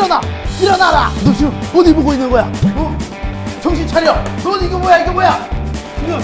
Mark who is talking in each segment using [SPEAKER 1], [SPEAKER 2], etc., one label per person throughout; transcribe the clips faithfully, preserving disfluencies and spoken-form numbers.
[SPEAKER 1] 일어나! 일어나라! 너 지금 어디 보고 있는 거야? 어? 정신 차려! 넌 이거 뭐야 이거 뭐야? 이거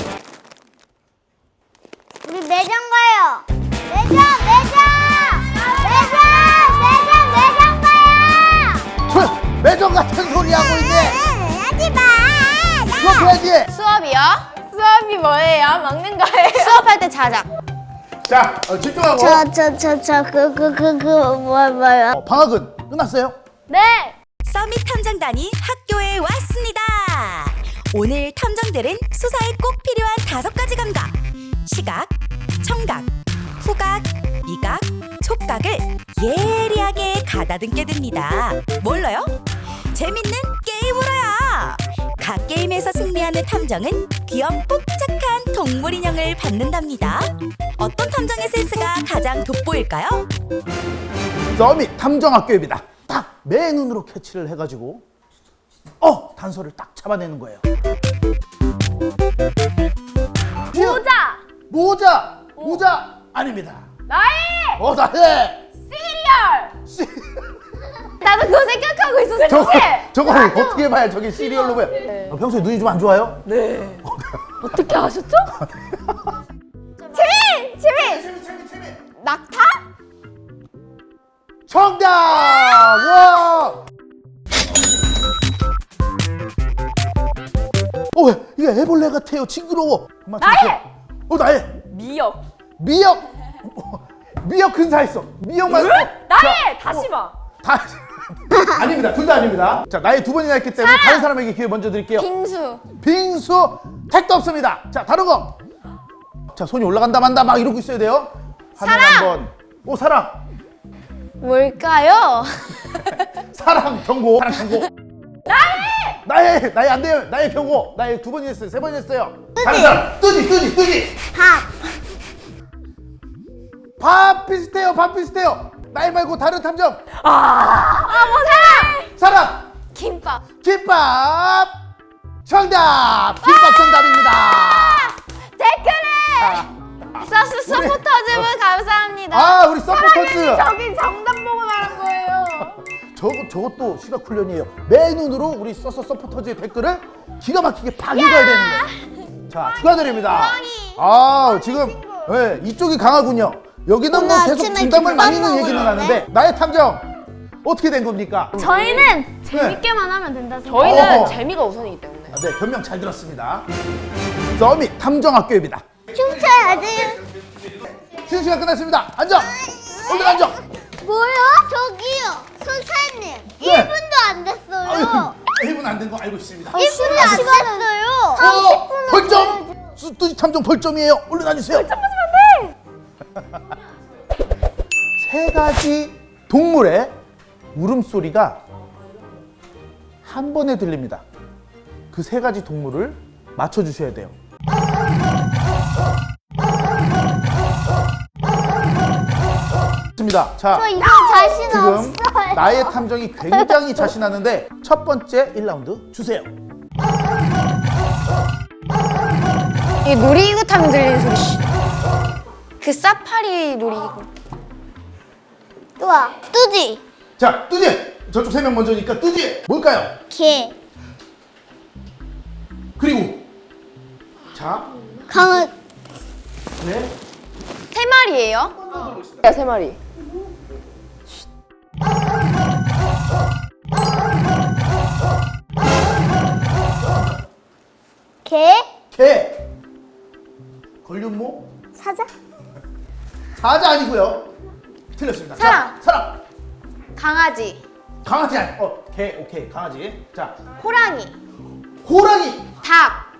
[SPEAKER 2] 우리 매장 가요. 매장, 매장, 매장, 매장, 매장 가요.
[SPEAKER 1] 저 매점 같은 소리 하고 있네.
[SPEAKER 2] 하지 마.
[SPEAKER 1] 수업해야지.
[SPEAKER 3] 수업이요? 수업이 뭐예요? 먹는 거예요? 수업할 때 자작.
[SPEAKER 1] 자, 어, 집중하고.
[SPEAKER 2] 저, 저, 저, 저, 그, 그, 그, 그, 뭐, 뭐요?
[SPEAKER 1] 어, 방학은 끝났어요?
[SPEAKER 3] 네.
[SPEAKER 4] 서밋 탐정단이 학교에 왔습니다. 오늘 탐정들은 수사에 꼭 필요한 다섯 가지 감각, 시각, 청각, 후각, 미각, 촉각을 예리하게 가다듬게 됩니다. 뭘로요? 재밌는 게임으로요. 각 게임에서 승리하는 탐정은 귀염 뽀짝한 동물 인형을 받는답니다. 어떤 탐정의 센스가 가장 돋보일까요?
[SPEAKER 1] 서밋 탐정학교입니다. 딱 매 눈으로 캐치를 해가지고 어 단서를 딱 잡아내는 거예요.
[SPEAKER 3] 모자.
[SPEAKER 1] 모자 모자 아닙니다.
[SPEAKER 3] 나이.
[SPEAKER 1] 어 나해.
[SPEAKER 3] 시리얼.
[SPEAKER 1] 씨.
[SPEAKER 3] 나도 그거 생각하고 있었어.
[SPEAKER 1] 저거
[SPEAKER 3] 사실.
[SPEAKER 1] 저거 어떻게 봐야 저게 시리얼로 보여? 어, 평소에 눈이 좀 안 좋아요?
[SPEAKER 3] 네. 어떻게 아셨죠? 재민! 재민!
[SPEAKER 1] 재미 재미 재미.
[SPEAKER 3] 낙타?
[SPEAKER 1] 정답! 와! 어, 왜? 이게 애벌레 같아요. 징그러워. 엄마,
[SPEAKER 3] 나의!
[SPEAKER 1] 잠시만. 어, 나의!
[SPEAKER 3] 미역.
[SPEAKER 1] 미역! 어, 미역 근사했어. 미역만.
[SPEAKER 3] 나의! 다시 봐.
[SPEAKER 1] 다. 아닙니다. 둘 다 아닙니다. 자, 나의 두 번이나 했기 때문에 다른 사람에게 기회 먼저 드릴게요.
[SPEAKER 3] 빙수.
[SPEAKER 1] 빙수 택도 없습니다. 자, 다른 거. 자, 손이 올라간다 만다 막 이러고 있어야 돼요. 화면
[SPEAKER 3] 사랑!
[SPEAKER 1] 한번. 오, 사랑.
[SPEAKER 3] 뭘까요?
[SPEAKER 1] 사랑 경고. 사랑 경고. 나의! 나의 나의 안 돼요. 나의 경고. 나의 두 번 했어요. 세 번 했어요. 다른 사람. 뜨지 뜨지 뜨지.
[SPEAKER 2] 밥.
[SPEAKER 1] 밥 비슷해요. 밥 비슷해요. 나의 말고 다른 탐정.
[SPEAKER 3] 아, 뭐 사랑!
[SPEAKER 1] 사랑.
[SPEAKER 3] 김밥.
[SPEAKER 1] 김밥. 정답. 김밥 정답입니다.
[SPEAKER 3] 댓글에! 서스
[SPEAKER 1] 우리-
[SPEAKER 3] 서포터즈분 감사합니다.
[SPEAKER 1] 아, 우리 서포터즈.
[SPEAKER 3] 저기 정답 보고 말한 거예요.
[SPEAKER 1] 저거 저것도 시각 훈련이에요. 매 눈으로 우리 서서 서포터즈의 댓글을 기가 막히게 박익어야 되는 거예요. 자, 축하드립니다. 아, 지금 네, 이쪽이 강하군요. 여기는 뭐
[SPEAKER 2] 오늘
[SPEAKER 1] 계속
[SPEAKER 2] 아침에
[SPEAKER 1] 정답을
[SPEAKER 2] 김밥
[SPEAKER 1] 많이 있는 얘기는
[SPEAKER 2] 먹으려네.
[SPEAKER 1] 하는데 나의 탐정 어떻게 된 겁니까?
[SPEAKER 3] 저희는
[SPEAKER 1] 재밌게만
[SPEAKER 3] 하면 된다 생각해요. 저희는
[SPEAKER 1] 어허.
[SPEAKER 3] 재미가 우선이기 때문에.
[SPEAKER 1] 아, 네, 변명 잘 들었습니다. 서밋 탐정학교입니다.
[SPEAKER 2] 춤춰야지.
[SPEAKER 1] 쉬는 시간 끝났습니다. 앉아. 얼른 앉아.
[SPEAKER 2] 뭐요? 저기요. 선생님.
[SPEAKER 1] 네.
[SPEAKER 2] 일 분도 안 됐어요.
[SPEAKER 1] 일 분 안 된 거 알고 있습니다.
[SPEAKER 2] 일 분도 안 됐어요.
[SPEAKER 1] 어,
[SPEAKER 2] 삼십 분은
[SPEAKER 1] 벌점. 뚜지 탐정 벌점이에요. 얼른 앉으세요.
[SPEAKER 3] 벌점 맞으면 안 돼.
[SPEAKER 1] 세 가지 동물의 울음소리가 한 번에 들립니다. 그 세 가지 동물을 맞춰주셔야 돼요. 좋습니다. 자,
[SPEAKER 2] 저 이거 자신
[SPEAKER 1] 지금
[SPEAKER 2] 없어요.
[SPEAKER 1] 나의 탐정이 굉장히 자신하는데 첫 번째 일 라운드 주세요.
[SPEAKER 3] 이게 놀이기구 타면 들리는 소리. 그 사파리 놀이기구.
[SPEAKER 2] 우와. 뚜지.
[SPEAKER 1] 자, 뚜지! 저쪽 세 명 먼저니까 뚜지! 뭘까요?
[SPEAKER 2] 개.
[SPEAKER 1] 그리고 자,
[SPEAKER 2] 강아.
[SPEAKER 1] 네.
[SPEAKER 3] 세 마리예요? 야, 세 마리.
[SPEAKER 2] 개.
[SPEAKER 1] 개. 걸륜모?
[SPEAKER 2] 사자.
[SPEAKER 1] 사자 아니고요. 틀렸습니다.
[SPEAKER 3] 사람.
[SPEAKER 1] 자, 사람.
[SPEAKER 3] 강아지.
[SPEAKER 1] 강아지 아니. 어, 개. 오케이. 강아지. 자,
[SPEAKER 3] 호랑이.
[SPEAKER 1] 호랑이.
[SPEAKER 3] 닭.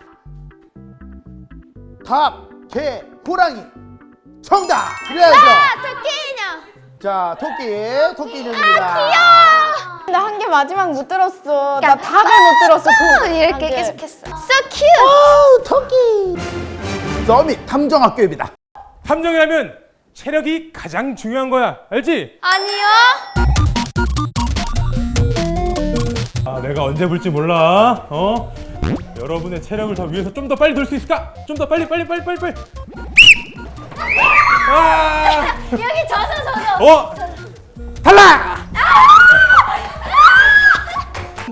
[SPEAKER 1] 닭, 개, 호랑이. 정답. 그래야죠.
[SPEAKER 3] 아, 토끼 인형.
[SPEAKER 1] 자, 토끼. 토끼 인형입니다.
[SPEAKER 3] 나 한 개 마지막 못 들었어. 나 닭을 못 들었어. 이렇게 계속했어. So cute.
[SPEAKER 1] 오, 토끼. 서밋 탐정학교입니다.
[SPEAKER 5] 탐정이라면 체력이 가장 중요한 거야. 알지?
[SPEAKER 3] 아니요.
[SPEAKER 5] 아, 내가 언제 불지 몰라. 어? 여러분의 체력을 더 위해서 좀 더 빨리 돌 수 있을까? 좀 더 빨리 빨리 빨리 빨리 빨리. 아!
[SPEAKER 3] 여기 젖어 젖어.
[SPEAKER 5] 어? 탈락!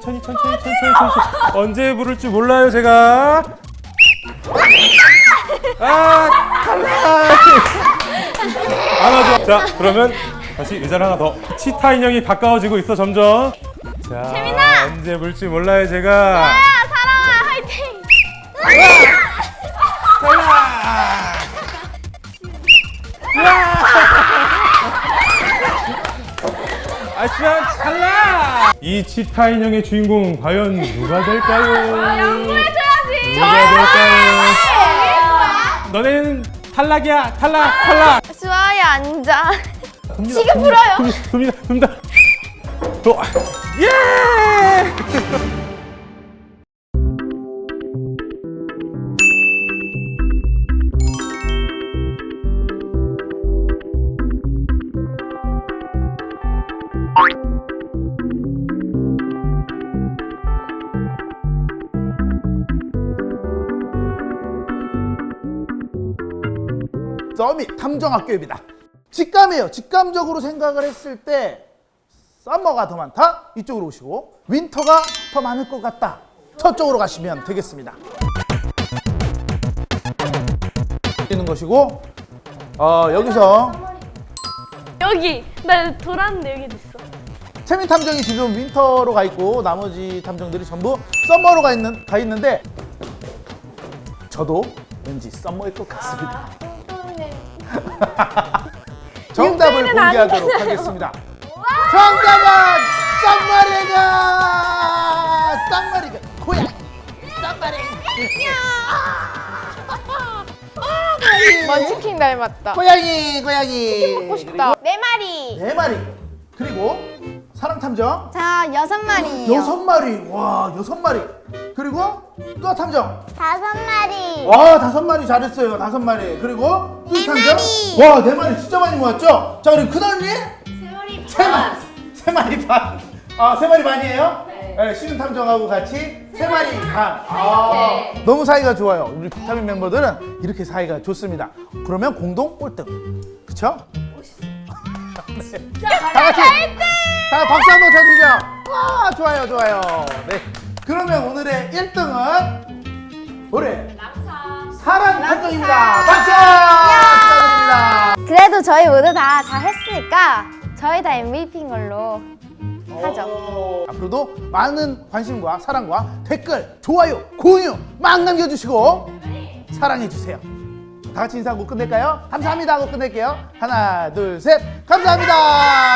[SPEAKER 5] 천천히 천천히 천천히 천천히. 언제 부를지 몰라요 제가. 아 탈락. 안아줘. 자 그러면 다시 의자를 하나 더. 치타 인형이 가까워지고 있어 점점. 자
[SPEAKER 3] 재민아!
[SPEAKER 5] 언제 불지 몰라요 제가.
[SPEAKER 3] 야, 사랑아, 화이팅!
[SPEAKER 5] 아시안 찰나! 이 치타 인형의 주인공 과연 누가 될까요?
[SPEAKER 3] 양보해줘야지!
[SPEAKER 5] 누가 될까요? 너네는 탈락이야 탈락 탈락.
[SPEAKER 3] 수아야, 앉아.
[SPEAKER 5] 돕니다,
[SPEAKER 3] 지금
[SPEAKER 5] 돕니다,
[SPEAKER 3] 불어요.
[SPEAKER 5] 돕니다 돕니다 돕니다. 또 예!
[SPEAKER 1] 서밋 탐정학교입니다. 직감이에요. 직감적으로 생각을 했을 때 썸머가 더 많다? 이쪽으로 오시고 윈터가 더 많을 것 같다. 저쪽으로 가시면 되겠습니다. 있는 것이고 어, 여기서
[SPEAKER 3] 여기! 나 돌았는데 여기 있어.
[SPEAKER 1] 채민 탐정이 지금 윈터로 가 있고 나머지 탐정들이 전부 썸머로 가 있는 가 있는데 저도 왠지 썸머일 것 같습니다. 정답을
[SPEAKER 3] 육배는 안
[SPEAKER 1] 공개하도록
[SPEAKER 3] 되나요?
[SPEAKER 1] 하겠습니다. 정답은 썸머리가 썸머리가 고양이 썸머리
[SPEAKER 3] 먼치킨 닮았다.
[SPEAKER 1] 고양이 고양이
[SPEAKER 3] 먹고 싶다. 네 마리.
[SPEAKER 1] 네 마리 그리고 사랑 탐정
[SPEAKER 2] 자, 여섯 마리요.
[SPEAKER 1] 여섯 마리 와 여섯 마리 그리고 또 탐정
[SPEAKER 2] 다섯 마리.
[SPEAKER 1] 와 다섯 마리 잘했어요 다섯 마리 그리고 또
[SPEAKER 2] 네
[SPEAKER 1] 탐정
[SPEAKER 2] 마리.
[SPEAKER 1] 와네 마리 진짜 많이 모았죠 자 그리고 큰언니 세 마리 세 마리 세 마리 반아세 마리 반이에요 네 신은 탐정하고 같이 세 마리 반아 너무 사이가 좋아요 우리 비타민 멤버들은 이렇게 사이가 좋습니다 그러면 공동 꼴등 그쵸 네. 다 같이 다 박수 한번 쳐주죠 와 좋아요 좋아요 네 그러면 오늘의 일 등은 우리 사랑 탐정입니다 박수 축하드립니다
[SPEAKER 2] 그래도 저희 모두 다 잘했으니까 저희 다 엠브이피인 걸로 하죠.
[SPEAKER 1] 앞으로도 많은 관심과 사랑과 댓글 좋아요 공유 막 남겨주시고 사랑해주세요 다 같이 인사하고 끝낼까요? 감사합니다 하고 끝낼게요 하나 둘 셋 감사합니다